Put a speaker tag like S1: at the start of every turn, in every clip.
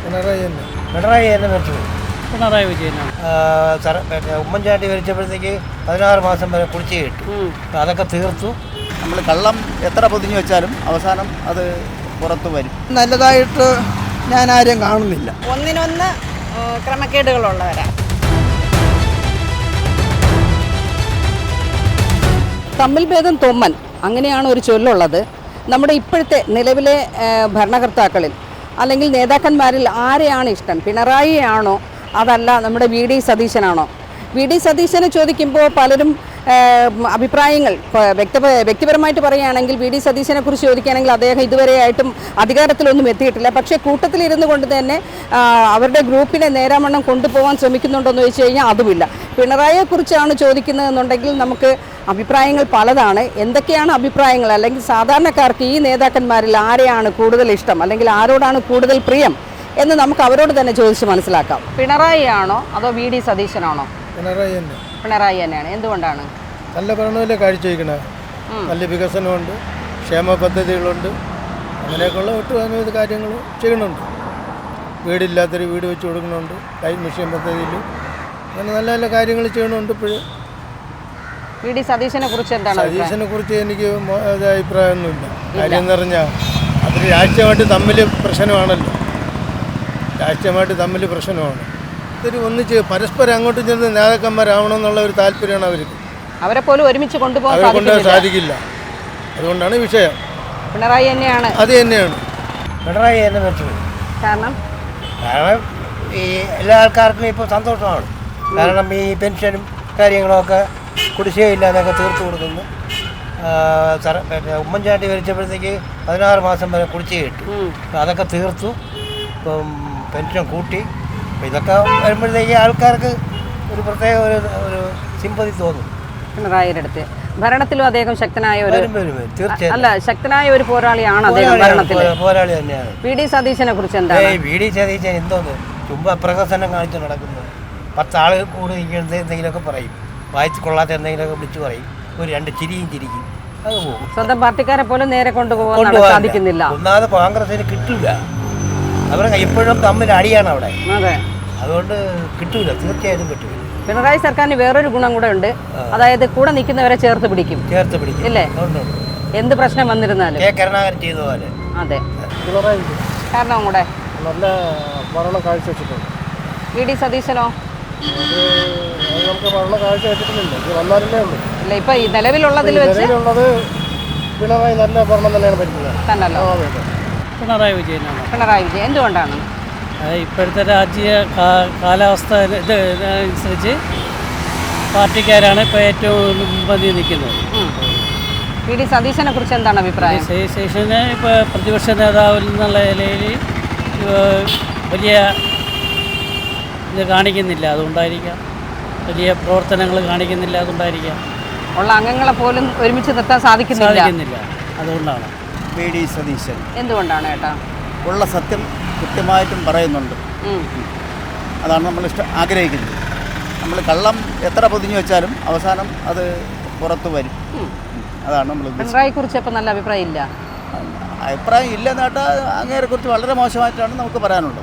S1: പിണറായി തന്നെ മരിച്ചത്.
S2: പിണറായി വിജയനാണ്.
S1: ഉമ്മൻചാണ്ടി ഭരിച്ചപ്പോഴത്തേക്ക് 16 മാസം വരെ കുടിശ്ശിക കിട്ടും. അതൊക്കെ തീർത്തു.
S3: നമ്മൾ കള്ളം എത്ര പൊതിഞ്ഞു വെച്ചാലും അവസാനം അത് പുറത്തു വരും.
S4: നല്ലതായിട്ട് ഞാൻ ആരെയും കാണുന്നില്ല.
S5: ഒന്നിനൊന്ന് ക്രമക്കേടുകളുള്ളവരാണ്.
S6: തമ്മിൽ ഭേദം തൊമ്മൻ, അങ്ങനെയാണ് ഒരു ചൊല്ലുള്ളത്. നമ്മുടെ ഇപ്പോഴത്തെ നിലവിലെ ഭരണകർത്താക്കളിൽ അല്ലെങ്കിൽ നേതാക്കന്മാരിൽ ആരെയാണ് ഇഷ്ടം? പിണറായിയാണോ അതല്ല നമ്മുടെ വി.ഡി. സതീശനാണോ? വി.ഡി. സതീശനെ ചോദിക്കുമ്പോൾ പലരും അഭിപ്രായങ്ങൾ വ്യക്തിപരമായിട്ട് പറയുകയാണെങ്കിൽ വി.ഡി. സതീശനെ കുറിച്ച് ചോദിക്കുകയാണെങ്കിൽ അദ്ദേഹം ഇതുവരെയായിട്ടും അധികാരത്തിലൊന്നും എത്തിയിട്ടില്ല. പക്ഷേ കൂട്ടത്തിലിരുന്നു കൊണ്ട് തന്നെ അവരുടെ ഗ്രൂപ്പിനെ നേരാവണ്ണം കൊണ്ടുപോകാൻ ശ്രമിക്കുന്നുണ്ടോയെന്ന് ചോദിച്ചു കഴിഞ്ഞാൽ അതുമില്ല. പിണറായിയെക്കുറിച്ചാണ് ചോദിക്കുന്നതെന്നുണ്ടെങ്കിൽ നമുക്ക് അഭിപ്രായങ്ങൾ പലതാണ്. എന്തൊക്കെയാണ് അഭിപ്രായങ്ങൾ? അല്ലെങ്കിൽ സാധാരണക്കാർക്ക് ഈ നേതാക്കന്മാരിൽ ആരെയാണ് കൂടുതൽ ഇഷ്ടം അല്ലെങ്കിൽ ആരോടാണ് കൂടുതൽ പ്രിയം എന്ന് നമുക്ക് അവരോട് തന്നെ ചോദിച്ച് മനസ്സിലാക്കാം. പിണറായിയാണോ അതോ വി.ഡി. സതീശനാണോ? പിണറായി തന്നെയാണ്. എന്തുകൊണ്ടാണ്?
S7: നല്ല ഭരണമല്ലേ കാഴ്ചവെക്കണത്. നല്ല വികസനമുണ്ട്, ക്ഷേമ പദ്ധതികളുണ്ട്, അങ്ങനെയൊക്കെയുള്ള ഒട്ടനവധി കാര്യങ്ങൾ ചെയ്യണുണ്ട്. വീടില്ലാത്തൊരു വീട് വെച്ച് കൊടുക്കുന്നുണ്ട്, ലൈഫ് മിഷൻ പദ്ധതിയിൽ അങ്ങനെ നല്ല നല്ല കാര്യങ്ങൾ ചെയ്യണുണ്ട്. ഇപ്പോഴും
S6: വി.ഡി. സതീശനെ കുറിച്ച് എന്താണ്?
S7: സതീശനെ കുറിച്ച് എനിക്ക് അഭിപ്രായമൊന്നുമില്ല. കാര്യം എന്ന് പറഞ്ഞാൽ അതിൽ രാഷ്ട്രീയമായിട്ട് തമ്മിൽ പ്രശ്നമാണല്ലോ. രാഷ്ട്രീയമായിട്ട് തമ്മിൽ പ്രശ്നമാണ്. ഇതൊരു ഒന്നിച്ച് പരസ്പരം അങ്ങോട്ടും ചെന്ന് നേതാക്കന്മാരാവണമെന്നുള്ള ഒരു താല്പര്യമാണ് അവർക്ക്.
S6: അവരെ പോലും ഒരുമിച്ച് കൊണ്ടുപോകാൻ
S7: സാധിക്കില്ല. അതുകൊണ്ടാണ് വിഷയം.
S6: പിണറായി തന്നെയാണ്.
S7: അത് തന്നെയാണ്
S1: പിണറായി തന്നെ മരിച്ചത്.
S6: കാരണം
S1: ഈ എല്ലാ ആൾക്കാർക്കും ഇപ്പോൾ സന്തോഷമാണ്. കാരണം ഈ പെൻഷനും കാര്യങ്ങളൊക്കെ കുടിശ്ശികയില്ലാതൊക്കെ തീർത്തു കൊടുക്കുന്നു. ഉമ്മൻചാണ്ടി ഭരിച്ചപ്പോഴത്തേക്ക് 16 മാസം വരെ കുടിശ്ശിക കിട്ടും. അതൊക്കെ തീർത്തു. ഇപ്പം പെൻഷൻ കൂട്ടി. അപ്പം ഇതൊക്കെ വരുമ്പോഴത്തേക്ക് ആൾക്കാർക്ക് ഒരു പ്രത്യേക ഒരു സിമ്പതി തോന്നും.
S6: പിണറായിയുടെ അടുത്ത് ഭരണത്തിലും അദ്ദേഹം ശക്തനായ ശക്തനായ ഒരു പോരാളിയാണ് അദ്ദേഹം.
S1: പോരാളി തന്നെയാണ്.
S6: വി.ഡി. സതീശനെ കുറിച്ച് എന്താണ്?
S1: വി.ഡി. സതീശൻ എന്തോന്ന് ചുമ്മാ പ്രഹസനം കാണിച്ച് നടക്കുന്നത്. 10 ആൾ കൂടി നിൽക്കുന്നത് എന്തെങ്കിലുമൊക്കെ പറയും, വായിച്ച് കൊള്ളാത്ത എന്തെങ്കിലുമൊക്കെ വിളിച്ചു പറയും, ഒരു 2 ചിരിയും ചിരിക്കും, അത് പോകും.
S6: സ്വന്തം പാർട്ടിക്കാരെ പോലും നേരെ കൊണ്ടുപോകാൻ സാധിക്കുന്നില്ല.
S1: ഒന്നാമത് കോൺഗ്രസിന് കിട്ടില്ല. അവരെ എപ്പോഴും തമ്മിൽ അടിയാണ് അവിടെ.
S6: അതെ,
S1: അതുകൊണ്ട് കിട്ടൂല, തീർച്ചയായിട്ടും കിട്ടൂല.
S6: പിണറായി സർക്കാരിന് വേറൊരു ഗുണം കൂടെ ഉണ്ട്, അതായത് കൂടെ നിൽക്കുന്നവരെ ചേർത്ത് പിടിക്കും ഇല്ലേ? എന്ത് പ്രശ്നം വന്നിരുന്നാലും
S1: കരുണാകരൻ ചെയ്ത പോലെ.
S6: അതെ, കാരണം കൂടെ
S7: നല്ല ഭരണം കാഴ്ചവെച്ചിട്ടുണ്ട്.
S6: വി.ഡി. സതീശനോ?
S7: നമുക്ക് ഭരണം കാഴ്ചവെച്ചിട്ടില്ല, വന്നാലല്ലേ ഉള്ളൂ.
S6: ഇല്ല, ഇപ്പൊ ഈ നിലവിലുള്ളതിൽ വെച്ച്
S7: പിണറായി നല്ല ഭരണം തന്നെയാണ് ഭരിക്കുന്നത്.
S6: തന്നല്ലോ.
S2: പിണറായി വിജയനാണ്.
S6: പിണറായി വിജയൻ. എന്തുകൊണ്ടാണ്?
S2: ഇപ്പോഴത്തെ രാഷ്ട്രീയ കാലാവസ്ഥ അനുസരിച്ച് പാർട്ടിക്കാരാണ് ഇപ്പോൾ ഏറ്റവും മുൻപന്തിയിൽ നിൽക്കുന്നത്.
S6: വി.ഡി. സതീശനെ കുറിച്ച് എന്താണ് അഭിപ്രായം?
S2: സതീശനെ ഇപ്പോൾ പ്രതിപക്ഷ നേതാവിൽ നിന്നുള്ള നിലയിൽ വലിയ ഇത് കാണിക്കുന്നില്ല, അതുകൊണ്ടായിരിക്കാം. വലിയ പ്രവർത്തനങ്ങൾ കാണിക്കുന്നില്ല, അതുകൊണ്ടായിരിക്കാം.
S6: ഉള്ള അംഗങ്ങളെ പോലും ഒരുമിച്ച് നിർത്താൻ സാധിക്കുന്നില്ല,
S2: അതുകൊണ്ടാണ്.
S3: വി.ഡി. സതീശൻ.
S6: എന്തുകൊണ്ടാണ് ഏട്ടാ?
S3: ഉള്ള സത്യം കൃത്യമായിട്ടും പറയുന്നുണ്ട്. അതാണ് നമ്മൾ ആഗ്രഹിക്കുന്നത്. നമ്മൾ കള്ളം എത്ര പൊതിഞ്ഞു വെച്ചാലും അവസാനം അത് പുറത്തു വരും. അതാണ് നമ്മൾ.
S6: പിണറായിയെ കുറിച്ച് ഇപ്പം നല്ല അഭിപ്രായം ഇല്ല.
S3: അഭിപ്രായം ഇല്ലെന്ന് കേട്ടാൽ അങ്ങേരെ കുറിച്ച് വളരെ മോശമായിട്ടാണ് നമുക്ക് പറയാനുള്ളത്.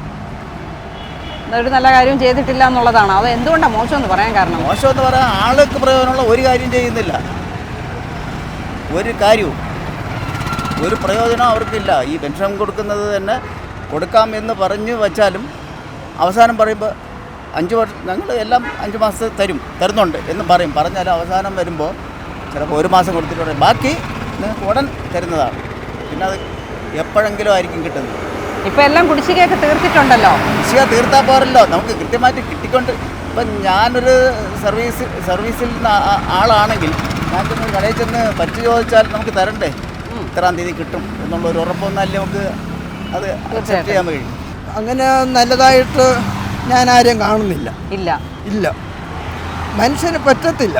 S6: ഒരു നല്ല കാര്യം ചെയ്തിട്ടില്ല എന്നുള്ളതാണ്. അത് എന്തുകൊണ്ടാണ് മോശമെന്ന് പറയാൻ കാരണം?
S3: മോശമെന്ന് പറയാൻ ആൾക്ക് പ്രയോജനമുള്ള ഒരു കാര്യം ചെയ്യുന്നില്ല, ഒരു കാര്യവും ഒരു പ്രയോജനം അവർക്കില്ല. ഈ പെൻഷൻ കൊടുക്കുന്നത് തന്നെ കൊടുക്കാം എന്ന് പറഞ്ഞു വച്ചാലും അവസാനം പറയുമ്പോൾ 5 വർഷം ഞങ്ങൾ എല്ലാം 5 മാസത്തെ തരുന്നുണ്ട് എന്ന് പറഞ്ഞാലും അവസാനം വരുമ്പോൾ ചിലപ്പോൾ 1 മാസം കൊടുത്തിട്ട് ബാക്കി നിങ്ങൾക്ക് ഉടൻ തരുന്നതാണ്. പിന്നെ അത് എപ്പോഴെങ്കിലും ആയിരിക്കും കിട്ടുന്നത്.
S6: ഇപ്പം എല്ലാം കുടിശ്ശികയൊക്കെ തീർത്തിട്ടുണ്ടല്ലോ.
S3: കുടിശ്ശിക തീർത്താൽ പോരല്ലോ, നമുക്ക് കൃത്യമായിട്ട് കിട്ടിക്കൊണ്ട്. ഇപ്പം ഞാനൊരു സർവീസിൽ ആളാണെങ്കിൽ ഞാൻ ചെന്ന് കടയിൽ ചെന്ന് പറ്റി ചോദിച്ചാൽ നമുക്ക് തരണ്ടേ, ഇത്രാം തീയതി കിട്ടും എന്നുള്ളൊരു ഉറപ്പൊന്നല്ലേ നമുക്ക് അത് അക്സെപ്റ്റ് ചെയ്യാൻ കഴിയും.
S4: അങ്ങനെ നല്ലതായിട്ട് ഞാൻ ആരെയും കാണുന്നില്ല. ഇല്ല, മനുഷ്യന് പറ്റത്തില്ല.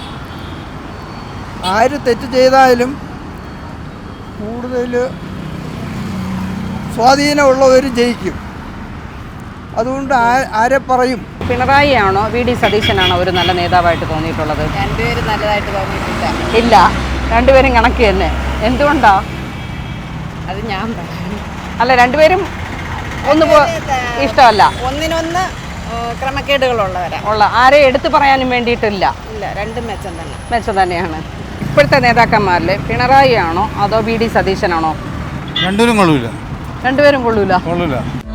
S4: ആര് തെറ്റ് ചെയ്താലും കൂടുതൽ സ്വാധീനമുള്ളവർ ജയിക്കും. അതുകൊണ്ട് ആരെ പറയും?
S6: പിണറായിയാണോ വി.ഡി. സതീശനാണോ ഒരു നല്ല നേതാവായിട്ട് തോന്നിയിട്ടുള്ളത്?
S5: രണ്ടുപേരും നല്ലതായിട്ട് തോന്നിയിട്ടില്ല.
S6: ഇല്ല, രണ്ടുപേരും കണക്ക് തന്നെ. എന്തുകൊണ്ടാ?
S5: അത് ഞാൻ
S6: അല്ല, രണ്ടുപേരും ഒന്ന് ഇഷ്ടമല്ല
S5: ഒന്നിനൊന്ന് ക്രമക്കേടുകളുള്ളവരാ.
S6: ആരെ എടുത്തു പറയാനും വേണ്ടിയിട്ടില്ല.
S5: ഇല്ല, രണ്ടും മെച്ചം തന്നെ.
S6: മെച്ചം തന്നെയാണ്. ഇപ്പോഴത്തെ നേതാക്കന്മാരിൽ പിണറായി ആണോ അതോ വി ഡി സതീശനാണോ?
S7: രണ്ടുപേരും കൊള്ളൂല.
S6: രണ്ടുപേരും കൊള്ളൂല.